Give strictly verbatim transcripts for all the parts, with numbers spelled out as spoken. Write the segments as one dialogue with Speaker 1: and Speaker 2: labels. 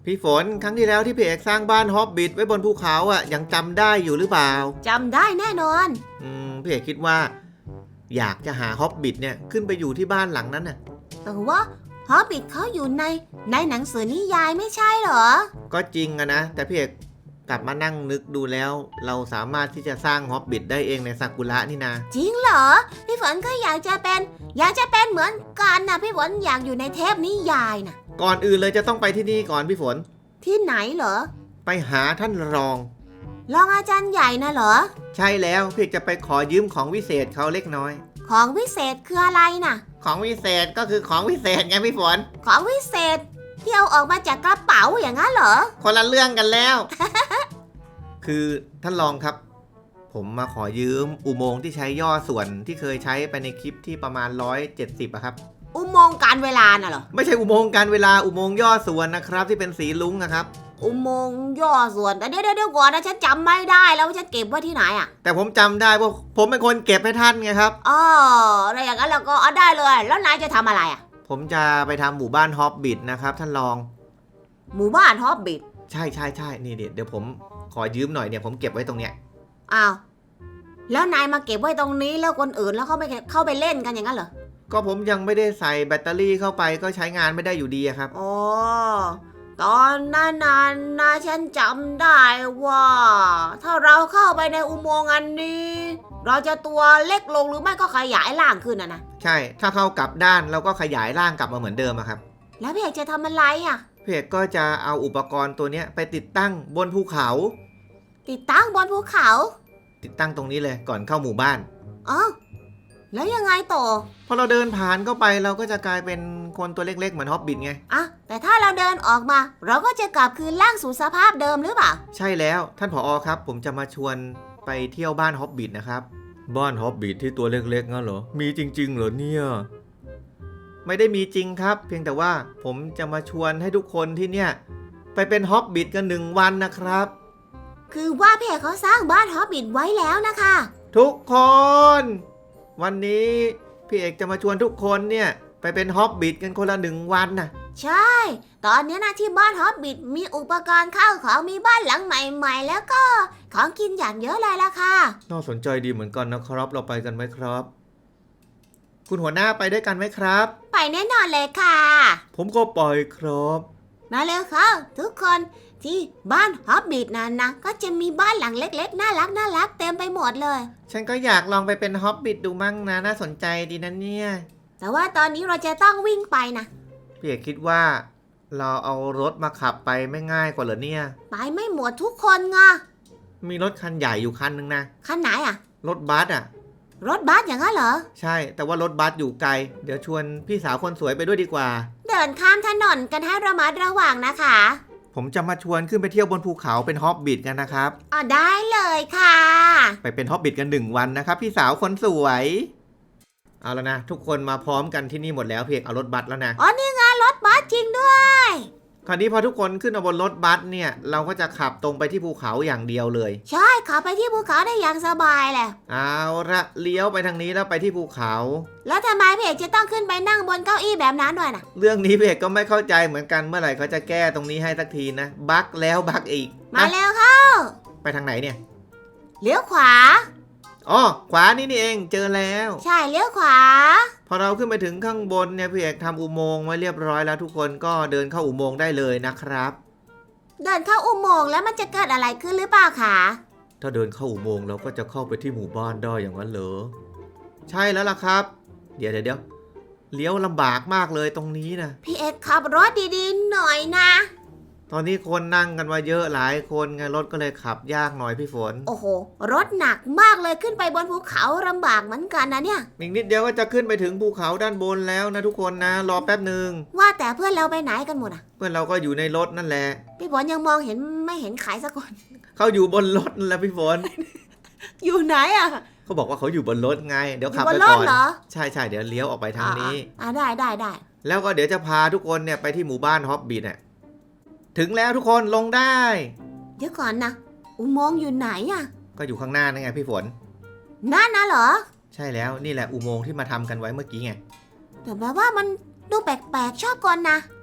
Speaker 1: พี่ฝนครั้งที่แล้วที่พี่เอกสร้างบ้านฮอบบิทไว้บนภูเขาอ่ะยังจำได้อยู่หรือเปล่า
Speaker 2: จำได้แน่นอน
Speaker 1: อืมพี่เอกคิดว่าอยากจะหาฮอบบิทเนี่ยขึ้นไปอยู่ที่บ้านหลังนั้นน่ะ
Speaker 2: แต่ว่าฮอบบิทเขาอยู่ในในหนังสือนิยายไม่ใช่เหรอ
Speaker 1: ก็จริงอะนะแต่พี่เอกกลับมานั่งนึกดูแล้วเราสามารถที่จะสร้างฮอบบิทได้เองในซากุระนี่นะ
Speaker 2: จริงเหรอพี่ฝนก็อยากจะเป็นอยากจะเป็นเหมือนกันนะพี่ฝนอยากอยู่ในเทพนิยายนะ
Speaker 1: ก่อนอื่นเลยจะต้องไปที่นี่ก่อนพี่ฝน
Speaker 2: ที่ไหนเหรอ
Speaker 1: ไปหาท่านรอง
Speaker 2: รองอาจารย์ใหญ่นะเหรอ
Speaker 1: ใช่แล้วพี่จะไปขอยืมของวิเศษเขาเล็กน้อย
Speaker 2: ของวิเศษคืออะไรน่ะ
Speaker 1: ของวิเศษก็คือของวิเศษไงพี่ฝน
Speaker 2: ของวิเศษที่เอาออกมาจากกระเป๋าอย่างนั้นเหรอ
Speaker 1: คนละเรื่องกันแล้ว คือท่านรองครับผมมาขอยืมอุโมงค์ที่ใช้ย่อส่วนที่เคยใช้ไปในคลิปที่ประมาณหนึ่งร้อยเจ็ดสิบอะครับ
Speaker 2: อุโมงค์การเวลาน่ะเหรอ
Speaker 1: ไม่ใช่อุโมงค์การเวลาอุโมงค์ย่อส่วนนะครับที่เป็นสีลุ้งนะครับ
Speaker 2: อุโมงค์ย่อส่วนแต่เดี๋ยวเดี๋ยวก่อนนะฉันจำไม่ได้แล้วว่าฉันเก็บไว้ที่ไหนอะ
Speaker 1: แต่ผมจำได้ว่าผมเป็นคนเก็บให้ท่านไงครับ
Speaker 2: อ๋ออะไรอย่างนั้นเราก็เอาได้เลยแล้วนายจะทำอะไรอะ
Speaker 1: ผมจะไปทำหมู่บ้านฮอบบิทนะครับท่านรอง
Speaker 2: หมู่บ้านฮอบบิท
Speaker 1: ใช่ใช่ใช่นี่เดี๋ยวผมขอยืมหน่อยเนี่ยผมเก็บไว้ตรงเนี้ย
Speaker 2: อ้าวแล้วนายมาเก็บไว้ตรงนี้แล้วคนอื่นแล้วเขาไม่เข้าไปเล่นกันอย่างนั้นเหรอ
Speaker 1: ก็ผมยังไม่ได้ใส่แบตเตอรี่เข้าไปก็ใช้งานไม่ได้อยู่ดีครับ
Speaker 2: อ๋อตอนนั้นนะฉันจำได้ว่าถ้าเราเข้าไปในอุโมงค์อันนี้เราจะตัวเล็กลงหรือไม่ก็ขยายร่างขึ้นนะนะ
Speaker 1: ใช่ถ้าเข้ากลับด้านเราก็ขยายร่างกลับมาเหมือนเดิมครับ
Speaker 2: แล้วพี่เอกจะทำอะไรอ่ะ
Speaker 1: พี่เอกก็จะเอาอุปกรณ์ตัวนี้ไปติดตั้งบนภูเขา
Speaker 2: ติดตั้งบนภูเขา
Speaker 1: ติดตั้งตรงนี้เลยก่อนเข้าหมู่บ้าน
Speaker 2: อ๋อแล้วยังไงต่อ
Speaker 1: พอเราเดินผ่านเข้าไปเราก็จะกลายเป็นคนตัวเล็กๆเหมือนฮอบบิทไง
Speaker 2: อ่ะแต่ถ้าเราเดินออกมาเราก็จะกลับคืนร่างสู่สภาพเดิมหรือเปล่า
Speaker 1: ใช่แล้วท่านผอ.ครับผมจะมาชวนไปเที่ยวบ้านฮอบบิทนะครับบ้านฮอบบิทที่ตัวเล็กๆงั้นเหรอมีจริงๆเหรอเนี่ยไม่ได้มีจริงครับเพียงแต่ว่าผมจะมาชวนให้ทุกคนที่เนี่ยไปเป็นฮอบบิทกันหนึ่งวันนะครับ
Speaker 2: คือว่าพี่เอกเขาสร้างบ้านฮอบบิทไว้แล้วนะคะ
Speaker 1: ทุกคนวันนี้พี่เอกจะมาชวนทุกคนเนี่ยไปเป็นฮอบบิทกันคนละหนึ่งวันนะ
Speaker 2: ใช่ตอนนี้นะที่บ้านฮอบบิทมีอุปกรณ์ข้าวของมีบ้านหลังใหม่ๆแล้วก็ของกินอย่างเยอะเลยล่ะค่ะ
Speaker 1: น่าสนใจดีเหมือนกันนะครับเราไปกันไหมครับคุณหัวหน้าไปด้วยกันไหมครับ
Speaker 2: ไปแน่นอนเลยค่ะ
Speaker 1: ผมก็ไปครับ
Speaker 2: มาเร็วค่ะทุกคนที่บ้านฮอบบิทนั้นนะก็จะมีบ้านหลังเล็กๆน่ารักน่ารักเต็มไปหมดเลย
Speaker 1: ฉันก็อยากลองไปเป็นฮอบบิทดูมั่งนะน่าสนใจดีนะเนี่ย
Speaker 2: แต่ว่าตอนนี้เราจะต้องวิ่งไปนะ
Speaker 1: พี่เอกคิดว่าเราเอารถมาขับไปไม่ง่ายกว่าเหรอเนี่ย
Speaker 2: ไปไม่หมดทุกคนไง
Speaker 1: มีรถคันใหญ่อยู่คันนึงนะ
Speaker 2: คันไหนอ่ะ
Speaker 1: รถบัสอ่ะ
Speaker 2: รถบัสอย่างนั้นเหรอ
Speaker 1: ใช่แต่ว่ารถบัสอยู่ไกลเดี๋ยวชวนพี่สาวคนสวยไปด้วยดีกว่า
Speaker 2: เดินข้ามถนนกันให้ระมัดระวังนะคะ
Speaker 1: ผมจะมาชวนขึ้นไปเที่ยวบนภูเขาเป็นฮอบบิทกันนะครับ
Speaker 2: อ๋อได้เลยค่ะ
Speaker 1: ไปเป็นฮอบบิทกันหนึ่งวันนะครับพี่สาวคนสวยเอาแล้วนะทุกคนมาพร้อมกันที่นี่หมดแล้วเพียงเอารถบัสแล้วนะ
Speaker 2: อ๋อนี่ไงรถบัสจริงด้วย
Speaker 1: คราวนี้พอทุกคนขึ้นมาบนรถบัสเนี่ยเราก็จะขับตรงไปที่ภูเขาอย่างเดียวเลย
Speaker 2: ใช่ขับไปที่ภูเขาได้อย่างสบายแหละ
Speaker 1: เอาละเลี้ยวไปทางนี้แล้วไปที่ภูเขา
Speaker 2: แล้วทำไมพี่เอกจะต้องขึ้นไปนั่งบนเก้าอี้แบบนั้นด้วยนะ
Speaker 1: เรื่องนี้พี่เอกก็ไม่เข้าใจเหมือนกันเมื่อไหร่เขาจะแก้ตรงนี้ให้สักทีนะบั๊กแล้วบั๊กอีก
Speaker 2: มาเร็วเข้า
Speaker 1: ไปทางไหนเนี่ย
Speaker 2: เลี้ยวขวา
Speaker 1: อ๋อขวานี่นี่เองเจอแล้ว
Speaker 2: ใช่เลี้ยวขวา
Speaker 1: พอเราขึ้นไปถึงข้างบนเนี่ยพี่เอกทำอุโมงค์ไว้เรียบร้อยแล้วทุกคนก็เดินเข้าอุโมงค์ได้เลยนะครับ
Speaker 2: เดินเข้าอุโมงค์แล้วมันจะเกิดอะไรขึ้นหรือเปล่าคะ
Speaker 1: ถ้าเดินเข้าอุโมงค์เราก็จะเข้าไปที่หมู่บ้านได้อย่างนั้นเหรอใช่แล้วล่ะครับเดี๋ยวเดี๋ยวเลี้ยวลำบากมากเลยตรงนี้นะ
Speaker 2: พี่เอกขับรถดีๆหน่อยนะ
Speaker 1: ตอนนี้คนนั่งกันมาเยอะหลายคนไงรถก็เลยขับยากหน่อยพี่ฝน
Speaker 2: โอ้โหรถหนักมากเลยขึ้นไปบนภูเขาลำบากเหมือนกันนะเนี่ย
Speaker 1: อีกนิดเดียวก็จะขึ้นไปถึงภูเขาด้านบนแล้วนะทุกคนนะรอแป๊บหนึ่ง
Speaker 2: ว่าแต่เพื่อนเราไปไหนกันหมดอ่ะ
Speaker 1: เพื่อนเราก็อยู่ในรถนั่นแหละ
Speaker 2: พี่ฝนยังมองเห็นไม่เห็นใครสักคน
Speaker 1: เขาอยู่บนรถนั่นแหละพี่ฝน
Speaker 2: อยู่ไหนอ่ะ
Speaker 1: เขาบอกว่าเขาอยู่บนรถไงเดี๋ยวขับไปก่อนใช่ใช่เดี๋ยวเลี้ยวออกไปทางนี้
Speaker 2: อ่าได้ได้ได้
Speaker 1: แล้วก็เดี๋ยวจะพาทุกคนเนี่ยไปที่หมู่บ้านฮอบบิทอ่ะถึงแล้วทุกคนลงได้
Speaker 2: เดี๋ยวก่อนนะอุโมงค์อยู่ไหนอ่ะ
Speaker 1: ก็อยู่ข้างหน้านั่นไงพี่ฝน
Speaker 2: นั่นนะเหรอ
Speaker 1: ใช่แล้วนี่แหละอุโมงค์ที่มาทำกันไว้เมื่อกี้ไง
Speaker 2: แต่แบบว่ามันดูแปลกๆชอบก่อนนะ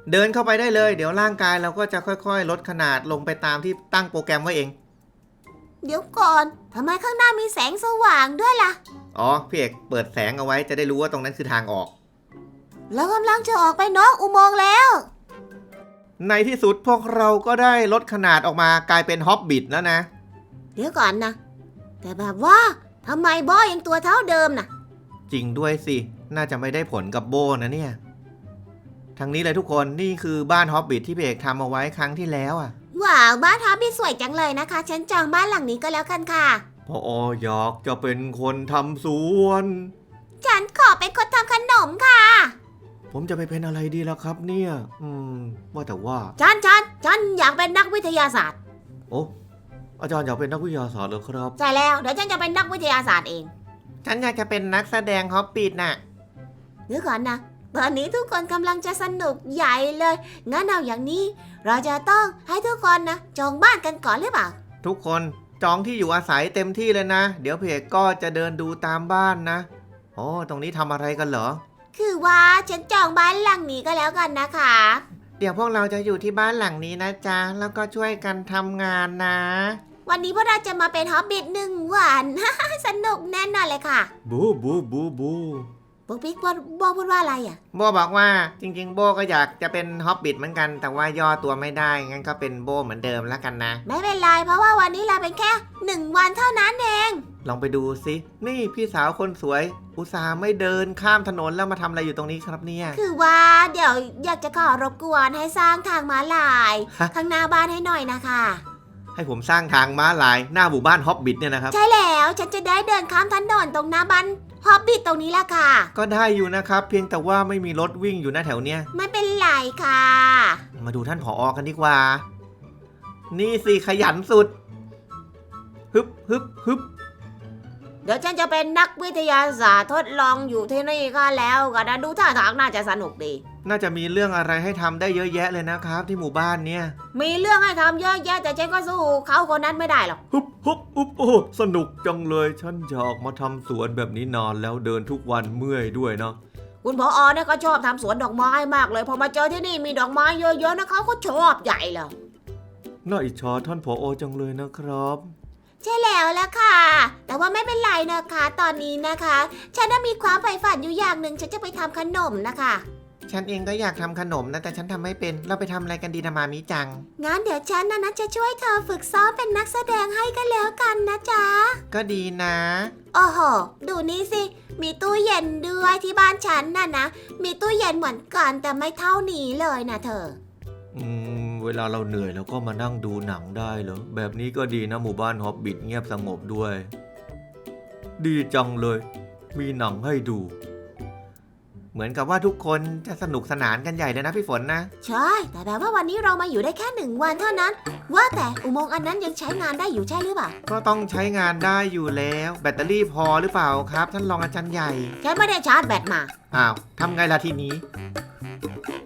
Speaker 1: เดินเข้าไปได้เลยเดี๋ยวร่างกายเราก็จะค่อยๆลดขนาดลงไปตามที่ตั้งโปรแกรมไว้เอง
Speaker 2: เดี๋ยวก่อนทำไมข้างหน้ามีแสงสว่างด้วยล่ะ
Speaker 1: อ๋อพี่เอกเปิดแสงเอาไว้จะได้รู้ว่าตรงนั้นคือทางออก
Speaker 2: แล้วกำลังจะออกไปนอกอุโมงค์แล้ว
Speaker 1: ในที่สุดพวกเราก็ได้ลดขนาดออกมากลายเป็นฮอบบิทแล้วนะ
Speaker 2: เดี๋ยวก่อนนะแต่แบบว่าทำไมบอยยังตัวเท่าเดิมน่ะ
Speaker 1: จริงด้วยสิน่าจะไม่ได้ผลกับโบนะเนี่ยทางนี้เลยทุกคนนี่คือบ้านฮอบบิทที่พี่เอกทำเอาไว้ครั้งที่แล้วอ่ะ
Speaker 2: ว้าวบ้านฮอบบี้สวยจังเลยนะคะ ฉันจองบ้านหลังนี้ก็แล้วกันค่ะ
Speaker 1: พออยากจะเป็นคนทำสวน
Speaker 2: ฉันขอเป็นคนทำขนมค่ะ
Speaker 1: ผมจะไปเป็นอะไรดีล่ะครับเนี่ย อืม ว่าแต่ว่า
Speaker 2: ฉันฉันฉันอยากเป็นนักวิทยาศาสตร์
Speaker 1: โอ้อาจารย์อยากเป็นนักวิทยาศาสตร์เหรอครับ
Speaker 2: ใช่แล้วเดี๋ยวฉันจะเป็นนักวิทยาศาสตร์เอง
Speaker 1: ฉันอยากจะเป็นนักแสดงฮอบบิทน่ะ
Speaker 2: เดี๋ยวก่อนนะตอนนี้ทุกคนกำลังจะสนุกใหญ่เลย งั้นเอาอย่างนี้ เราจะต้องให้ทุกคนนะจองบ้านกันก่อนหรือเปล่า
Speaker 1: ทุกคนจองที่อยู่อาศัยเต็มที่เลยนะ เดี๋ยวพี่เอกก็จะเดินดูตามบ้านนะโอ้ตรงนี้ทำอะไรกันเหรอ
Speaker 2: คือว่าฉันจองบ้านหลังนี้ก็แล้วกันนะคะ
Speaker 1: เดี๋ยวพวกเราจะอยู่ที่บ้านหลังนี้นะจ๊ะแล้วก็ช่วยกันทำงานนะ
Speaker 2: วันนี้พวกเราจะมาเป็นฮอบบิทหนึ่งวัน สนุกแน่นอนเลยค่ะ
Speaker 1: บูบูบูบู
Speaker 2: ปุ๊กปิ๊กบอกบอกพูดว่าอะไรอ่ะ
Speaker 1: โบบอกว่าจริงๆโบก็อยากจะเป็นฮอบบิทเหมือนกัน แต่ว่าย่อตัวไม่ได้งั้นก็เป็นโบเหมือนเดิมแล้วกันนะ
Speaker 2: ไม่เป็นไรเพราะว่าวันนี้เราเป็นแค่หนึ่งวันเท่านั้นเอง
Speaker 1: ลองไปดูสินี่พี่สาวคนสวย อุตส่าห์ไม่เดินข้ามถนนแล้วมาทำอะไรอยู่ตรงนี้ครับเนี่ย
Speaker 2: คือว่าเดี๋ยวอยากจะขอรบกวนให้สร้างทางม้าลาย
Speaker 1: ฮะ
Speaker 2: ข้างหน้าบ้านให้หน่อยนะคะ
Speaker 1: ให้ผมสร้างทางม้าลายหน้าหมู่บ้านฮอบบิทเนี่ยนะครับ
Speaker 2: ใช่แล้วฉันจะได้เดินข้ามถนนตรงหน้าบ้านฮอบบิทตรงนี้ละค่ะ
Speaker 1: ก็ได้อยู่นะครับ เพียงแต่ว่าไม่มีรถวิ่งอยู่หน้าแถวเนี้ย
Speaker 2: ไม่เป็นไรค่ะ
Speaker 1: มาดูท่านผอกันดีกว่า นี่สิขยันสุด ฮึบฮึบฮึบ
Speaker 2: เดี๋ยวฉันจะเป็นนักวิทยาศาสตร์ทดลองอยู่ที่นี่ก็แล้วก็นะดูท่าทางน่าจะสนุกดี
Speaker 1: น่าจะมีเรื่องอะไรให้ทำได้เยอะแยะเลยนะครับ ที่หมู่บ้านเนี่ย
Speaker 2: มีเรื่องให้ทำเยอะแยะแต่ฉันก็สู้เขาคนนั้นไม่ได้หรอก
Speaker 1: ฮึบฮึบฮึบโอ้สนุกจังเลย ฉันอยากมาทำสวนแบบนี้นานแล้วเดินทุกวันเมื่อยด้วยเนาะ
Speaker 2: คุณผอเนี่ยก็ชอบทำสวนดอกไม้มากเลยพอมาเจอที่นี่มีดอกไม้เยอะๆนะเขาก็ชอบใหญ่เลย
Speaker 1: น่าอิจฉาท่านผอจังเลยนะครับ
Speaker 2: ใช่แล้วล่ะค่ะ แต่ว่าไม่เป็นไรนะคะ ตอนนี้นะคะ ฉันน่ะมีความใฝ่ฝันอยู่อย่างหนึ่งฉันจะไปทำขนมนะคะ
Speaker 1: ฉันเองก็อยากทำขนมนะแต่ฉันทำไม่เป็นเราไปทำอะไรกันดีนะมามิจัง
Speaker 2: งั้นเดี๋ยวฉันนะนะจะช่วยเธอฝึกซ้อมเป็นนักแสดงให้กันแล้วกันนะจ๊ะ
Speaker 1: ก็ดีนะ
Speaker 2: โอ้โห ดูนี่สิ มีตู้เย็นด้วยที่บ้านฉันน่ะนะ มีตู้เย็นเหมือนกันแต่ไม่เท่านี้เลยนะเธอ
Speaker 1: อืมเวลาเราเหนื่อยเราก็มานั่งดูหนังได้เหรอแบบนี้ก็ดีนะหมู่บ้านฮอบบิทเงียบสงบด้วย ดีจังเลย มีหนังให้ดู เหมือนกับว่าทุกคนจะสนุกสนานกันใหญ่เลยนะพี่ฝนนะ
Speaker 2: ใช่ แต่แบบว่าวันนี้เรามาอยู่ได้แค่หนึ่งวันเท่านั้น ว่าแต่อุโมงค์อันนั้นยังใช้งานได้อยู่ใช่หรือเปล่า
Speaker 1: ก็ต้องใช้งานได้อยู่แล้ว แบตเตอรี่พอหรือเปล่าครับท่านรองอาจารย์ใหญ่
Speaker 2: ฉันไม่ได้ชาร์จแบตมา
Speaker 1: อ้าวทำไงล่ะทีนี้